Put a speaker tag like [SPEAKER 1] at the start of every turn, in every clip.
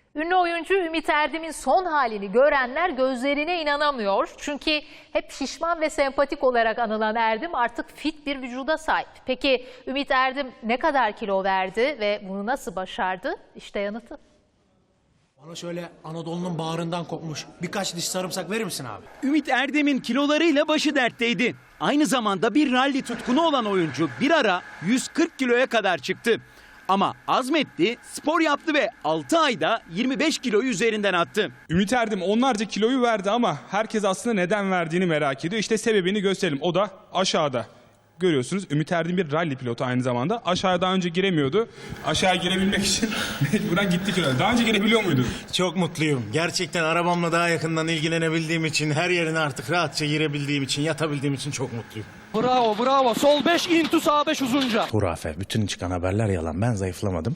[SPEAKER 1] Ünlü oyuncu Ümit Erdem'in son halini görenler gözlerine inanamıyor. Çünkü hep şişman ve sempatik olarak anılan Erdem artık fit bir vücuda sahip. Peki Ümit Erdem ne kadar kilo verdi ve bunu nasıl başardı? İşte yanıtı.
[SPEAKER 2] Bana şöyle Anadolu'nun bağrından kopmuş birkaç diş sarımsak verir misin abi?
[SPEAKER 3] Ümit Erdem'in kilolarıyla başı dertteydi. Aynı zamanda bir ralli tutkunu olan oyuncu bir ara 140 kiloya kadar çıktı. Ama azmetti, spor yaptı ve 6 ayda 25 kiloyu üzerinden attı.
[SPEAKER 4] Ümit Erdem onlarca kiloyu verdi ama herkes aslında neden verdiğini merak ediyor. İşte sebebini gösterelim. O da aşağıda. Görüyorsunuz Ümit Erdem bir rally pilotu aynı zamanda. Aşağıya daha önce giremiyordu. Aşağı girebilmek için mecburen gitti kilo. Daha önce girebiliyor muydu?
[SPEAKER 2] Çok mutluyum. Gerçekten arabamla daha yakından ilgilenebildiğim için, her yerine artık rahatça girebildiğim için, yatabildiğim için çok mutluyum.
[SPEAKER 5] Bravo bravo. Sol 5 into sağ 5 uzunca.
[SPEAKER 6] Hurafe. Bütün çıkan haberler yalan. Ben zayıflamadım.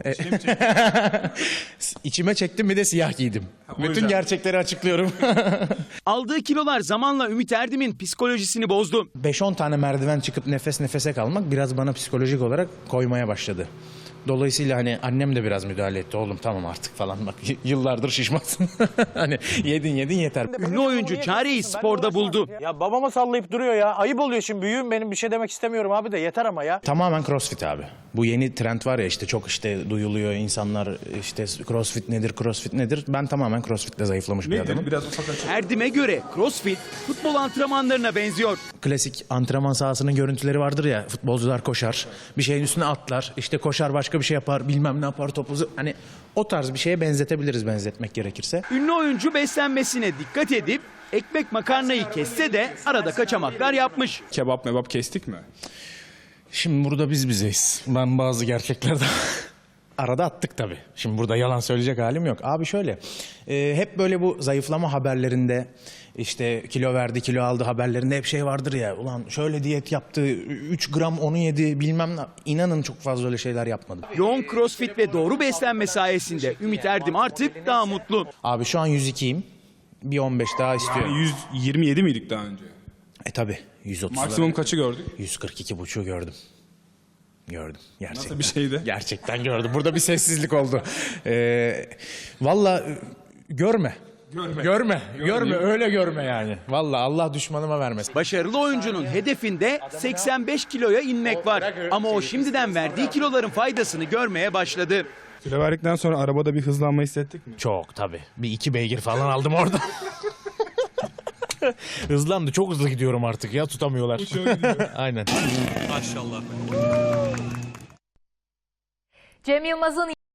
[SPEAKER 6] İçime çektim, bir de siyah giydim. Bütün gerçekleri açıklıyorum.
[SPEAKER 3] Aldığı kilolar zamanla Ümit Erdem'in psikolojisini bozdu.
[SPEAKER 6] 5-10 tane merdiven çıkıp nefes nefese kalmak biraz bana psikolojik olarak koymaya başladı. Dolayısıyla hani annem de biraz müdahale etti. Oğlum tamam artık falan, bak yıllardır şişmansın. Hani yedin yeter.
[SPEAKER 3] Ünlü oyuncu çareyi sporda buldu.
[SPEAKER 2] Ya babama sallayıp duruyor ya. Ayıp oluyor şimdi, büyüğüm benim, bir şey demek istemiyorum abi de yeter ama ya.
[SPEAKER 6] Tamamen crossfit abi. Bu yeni trend var ya, işte çok işte duyuluyor, insanlar işte crossfit nedir? Ben tamamen crossfitle zayıflamış bir adamım.
[SPEAKER 4] Biraz ufak açalım.
[SPEAKER 3] Erdem'e göre crossfit futbol antrenmanlarına benziyor.
[SPEAKER 6] Klasik antrenman sahasının görüntüleri vardır ya, futbolcular koşar, bir şeyin üstüne atlar, işte koşar başka bir şey yapar, bilmem ne yapar, topu hani o tarz bir şeye benzetebiliriz, benzetmek gerekirse.
[SPEAKER 3] Ünlü oyuncu beslenmesine dikkat edip ekmek makarnayı kesse de arada kaçamaklar yapmış.
[SPEAKER 4] Kebap mebap kestik mi?
[SPEAKER 6] Şimdi burada biz bizeyiz. Ben bazı gerçeklerden arada attık tabii. Şimdi burada yalan söyleyecek halim yok. Abi şöyle, hep böyle bu zayıflama haberlerinde, işte kilo verdi, kilo aldı haberlerinde hep şey vardır ya. Ulan şöyle diyet yaptı, 3 gram onu yedi, bilmem ne. İnanın çok fazla öyle şeyler yapmadım.
[SPEAKER 3] Yoğun crossfit ve doğru beslenme sayesinde Ümit Erdem artık daha mutlu.
[SPEAKER 6] Abi şu an 102'yim. Bir 15 daha istiyorum.
[SPEAKER 4] 127 miydik daha önce?
[SPEAKER 6] Tabii 130.
[SPEAKER 4] Maksimum kaçı gördük?
[SPEAKER 6] 142,5'u gördüm. Gördüm. Gerçekten.
[SPEAKER 4] Nasıl bir şeydi?
[SPEAKER 6] Gerçekten gördüm. Burada bir sessizlik oldu. Vallahi görme. Görme. Öyle görme yani. Vallahi Allah düşmanıma vermesin.
[SPEAKER 3] Başarılı oyuncunun hedefinde 85 kiloya inmek var. Ama o şimdiden verdiği kiloların faydasını görmeye başladı.
[SPEAKER 4] Kilo verdikten sonra arabada bir hızlanma hissettik mi?
[SPEAKER 6] Çok tabii. Bir 2 beygir falan aldım orada. Hızlandı. Çok hızlı gidiyorum artık ya. Tutamıyorlar. Aynen.
[SPEAKER 1] Cem Yılmaz'ın